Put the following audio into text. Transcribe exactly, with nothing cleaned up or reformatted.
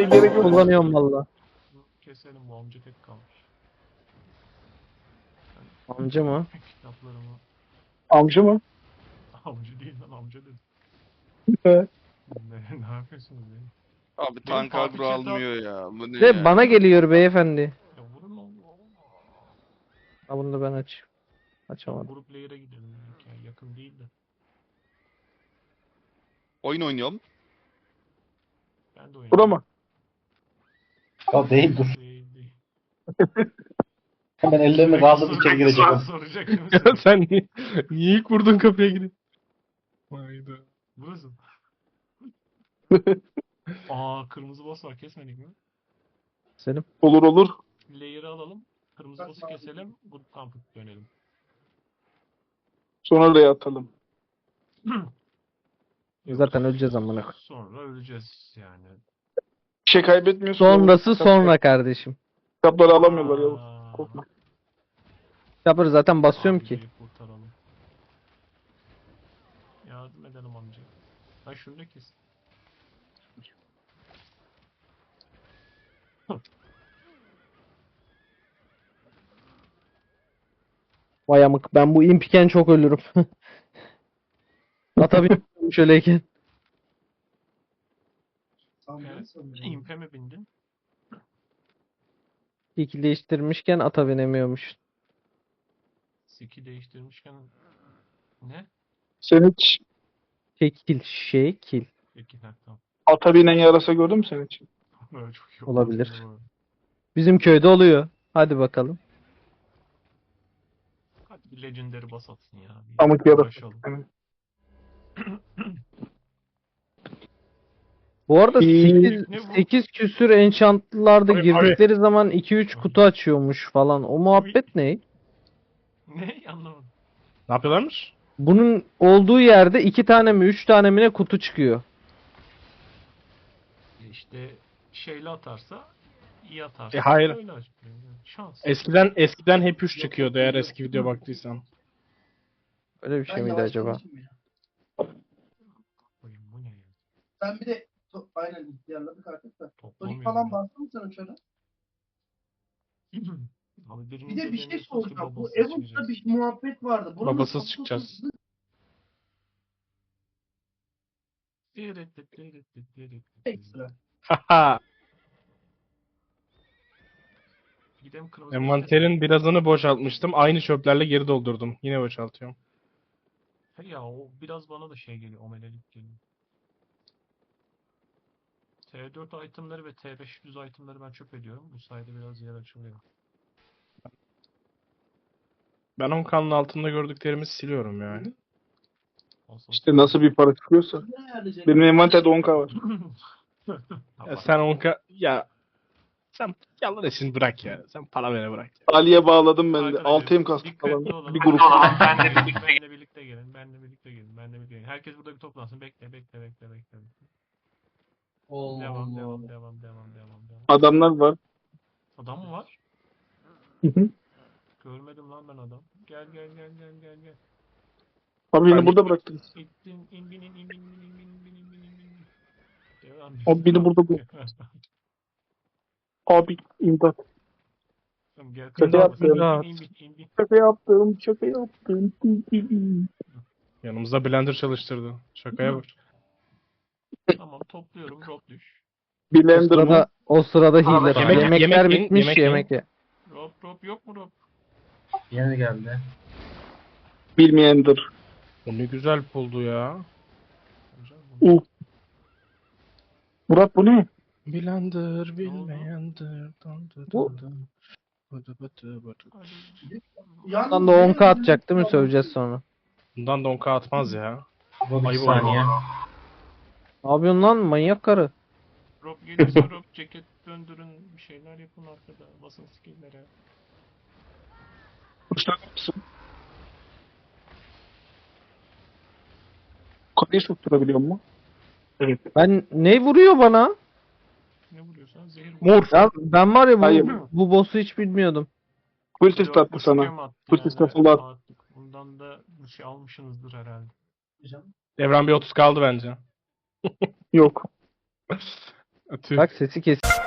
gerek yok. Kullanıyorum valla. Keselim, bu amca tek kalmış. Amca mı? Kitaplarımı. Amca mı? Amca değil lan, amca dedim. Evet. Ne, ne yapıyorsunuz ya? Abi tank parti agro chat'e almıyor ya. Bu ne De ya? bana geliyor beyefendi. Ya vurun oğlum. Ha bunu da ben aç. Tamam, Açamadım. grup layer'a gidelim. Yani yakın değil de. Oyun oynuyorum. Ben de oynayayım. Bura mı? Ya değil dur. Değil değil. Hemen ellerini kaldırıp içeri Sürekli girecek. soru soracak Ya mısın? sen niye, niye ilk vurdun kapıya girip? Hayda. Burası. Aa, kırmızı boss var, kesmedik mi? Selim. Olur olur. Layer'ı alalım. Kırmızı boss'u keselim. Grup kampı dönelim. Sonra oraya atalım. Zaten öleceğiz amına koyayım. Sonra öleceğiz yani. Bir şey kaybetmiyorsun. Sonrası sonra kardeşim. Kitapları alamıyorlar Yavuz. Aa, Korkma. Kitapları zaten basıyorum ki. amcayı kurtaralım. Yardım edelim amca. Ha şunu da kes. Vay amık ben bu impiken çok ölürüm. Atabiliyorum şöyleyken. Evet. İmpe mi bindin? İki değiştirmişken ata binemiyormuş. Siki değiştirmişken ne? Sen hiç Şekil şekil. Peki, ha, tamam. ata binen yarasa gördün mü sen hiç? Böyle çok iyi Olabilir. oldu. Bizim köyde oluyor. Hadi bakalım. Hadi bir legendary bas atsın ya. Bir Pamuk yarasa. uğraşalım. Evet. Bu arada İyi. sekiz, sekiz küsür enchantlılarda Abi, girdikleri zaman iki üç kutu açıyormuş falan. O muhabbet ne? Ne? Anlamadım. Ne yapıyorlarmış? Bunun olduğu yerde iki tane mi üç tane mi ne kutu çıkıyor. E İşte şeyle atarsa iyi atarsa E, hayır. öyle açıklıyor. Yani şans. Eskiden eskiden hep üç çıkıyordu eğer eski video baktıysan. Öyle bir şey miydi acaba? Koyayım, bu ne ya? Ben bir de to- aynen ihtiyarladık artık da. Tonik Toplamıyorum falan ya. bastın mı sen uçana? Abi Bir birinin de bir şey dediğini sus ki soracağım. Bu babası Evox'ta çıkacak. bir muhabbet vardı. Buranın Babasız kapısı çıkacağız. hızlı- Ekstra. Haha. Gidelim kırmızı. Envanterin birazını boşaltmıştım. Aynı çöplerle geri doldurdum. Yine boşaltıyorum. He ya, o biraz bana da şey geliyor. Omelelik geliyor. T dört itemleri ve T beş yüz itemleri ben çöp ediyorum. Bu sayede biraz yer açılıyor. Ben on kanın altında gördüklerimi siliyorum yani. Olsun. İşte nasıl bir para çıkıyorsa. Ne ayarlayacak? Benim envanterde on K var. Ya sen on ka... Ya... Sen yalan işini bırak ya. Sen para vere bırak. Ali'ye bağladım ben de. Arkadaşlar, altı M kastım dikkatli falan. olun. Bir grup. Benle birlikte, benle birlikte gelin. Benle birlikte gelin. Benle birlikte gelin. Herkes burada bir toplansın. Bekle, bekle, bekle, bekle. Allah Devam, Allah. devam, devam, devam, devam, devam. Adamlar var. Adam mı var? Hı hı. Görmedim lan ben adam. Gel, gel, gel, gel, gel, gel. Abi beni burada bıraktınız. İttin, in, bin, in, in, bin, in, bin, in, bin, in, bin, in, bin. Devam. Abi beni burada bu. Abi imdat. Tamam, gel. Şaka Kırmızı yaptım. basın. İn, in, bin, in, bin. Şaka yaptım. Şaka yaptım. Yanımızda blender çalıştırdı. Şakaya bak. Tamam, topluyorum. Drop düş. O Blender mı? sırada, o sırada healer. yemek- Yemekler yemek yiyin, bitmiş yemek yemek, yiyin. ye. Drop, drop yok mu drop? Yeni geldi. Bilmeyendir. O ne güzel puldu ya. Hocam, bu- Uh. Murat bu ne? Blender bilmeyendir. Dın dı Bu- dın dın. Bıdı bıdı bıdı. Hadi. Yalnız Bundan da on K benim- atacak değil mi? Söveceğiz sonra. Bundan da on K atmaz ya. Bu bir Ayıp saniye. Ne yapıyorsun lan manyak karı? Drop gelirse drop, ceket döndürün, bir şeyler yapın arkada. Basın skill'lere. Kuşlar mısın? Yukarıya sokturabiliyor mu? Evet. Ben ne vuruyor bana? Ne vuruyorsan zehir Mor. Ya ben var ya Hayır. bu, bu boss'u hiç bilmiyordum. Full test attı sana. Full Full test attılar. Bundan da bir şey almışsınızdır herhalde. Devran bir otuz kaldı bence. Yok. Tüh. Bak sesi kes.